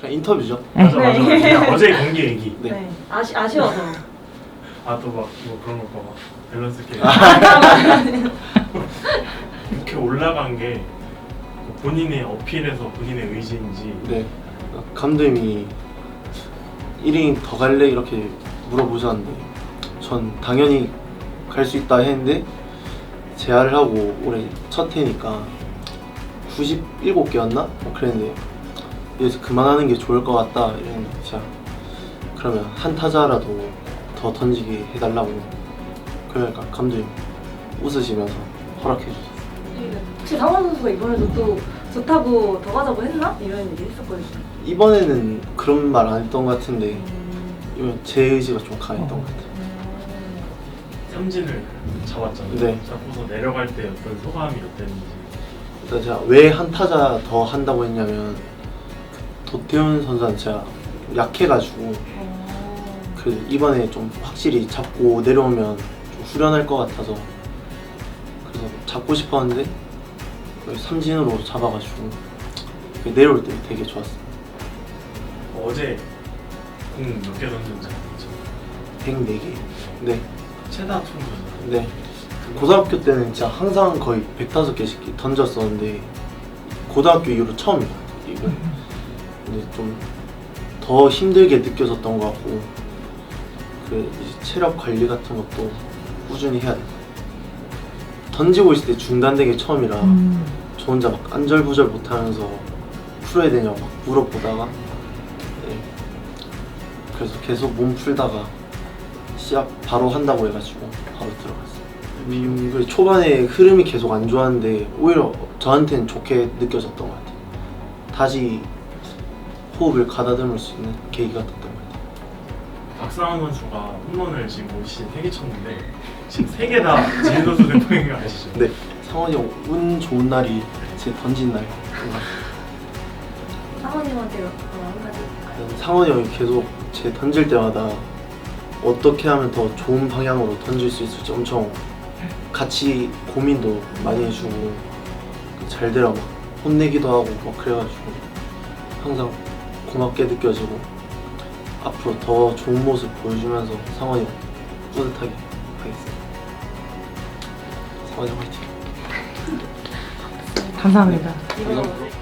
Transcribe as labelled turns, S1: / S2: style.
S1: 그냥 인터뷰죠.
S2: 맞아
S3: 네.
S2: 맞아. 그냥 어제 경기 얘기.
S1: 네.
S3: 네. 아쉬워서.
S2: 아 또 막 뭐 그런 거 봐. 밸런스 게임. 이렇게 올라간 게 본인의 어필에서 본인의 의지인지.
S1: 네. 감독님이 1인 더 갈래? 이렇게 물어보셨는데 전 당연히 갈 수 있다 했는데 재활을 하고 올해 첫 해니까 97개였나? 그랬는데 여기서 그만하는 게 좋을 것 같다 이랬는데 진짜 그러면 한 타자라도 더 던지게 해달라고 그러니까 감독님 웃으시면서 허락해 주셨어요.
S3: 혹시 상원 선수가 이번에도 또 좋다고 더 가자고 했나? 이런 얘기 했었거든요.
S1: 이번에는 그런 말 안 했던 것 같은데 이번 제 의지가 좀 강했던 것 같아요.
S2: 삼진을 잡았잖아요.
S1: 네.
S2: 잡고서 내려갈 때 어떤 소감이 어땠는지.
S1: 일단 제가 왜 한 타자 더 한다고 했냐면 도태훈 선수는 제가 약해가지고 그 이번에 좀 확실히 잡고 내려오면 좀 후련할 것 같아서 그래서 잡고 싶었는데 삼진으로 잡아가지고 내려올 때 되게 좋았어요.
S2: 어제 공 몇 개 던졌는지 알죠?
S1: 104개. 네.
S2: 최다 총전.
S1: 네. 고등학교 때는 진짜 항상 거의 105개씩 던졌었는데 고등학교 이후로 처음이에요. 이거. 근데 좀 더 힘들게 느껴졌던 것 같고 그 이제 체력 관리 같은 것도 꾸준히 해야 돼요. 던지고 있을 때 중단된 게 처음이라 저 혼자 막 안절부절 못하면서 풀어야 되냐고 막 물어보다가 네. 그래서 계속 몸 풀다가 시합 바로 한다고 해가지고 바로 들어갔어요. 그리고 초반에 흐름이 계속 안 좋았는데 오히려 저한테는 좋게 느껴졌던 것 같아요. 다시 호흡을 가다듬을 수 있는 계기가 됐던 것 같아요.
S2: 박상원 선수가 홈런을 지금 올 시즌 3개 쳤는데 지금 3개 다 지인 선수 대표인 거 아시죠?
S1: 네, 상원이 형 운 좋은 날이 제 던진 날.
S3: 상원님한테 한 가지.
S1: 상원이 형이 계속 제 던질 때마다 어떻게 하면 더 좋은 방향으로 던질 수 있을지 엄청 같이 고민도 많이 해주고 잘 되라 막 혼내기도 하고 막 그래가지고 항상 고맙게 느껴지고 앞으로 더 좋은 모습 보여주면서 상원이 형 뿌듯하게 하겠습니다. 상원이 형 화이팅!
S4: 감사합니다.
S3: 이번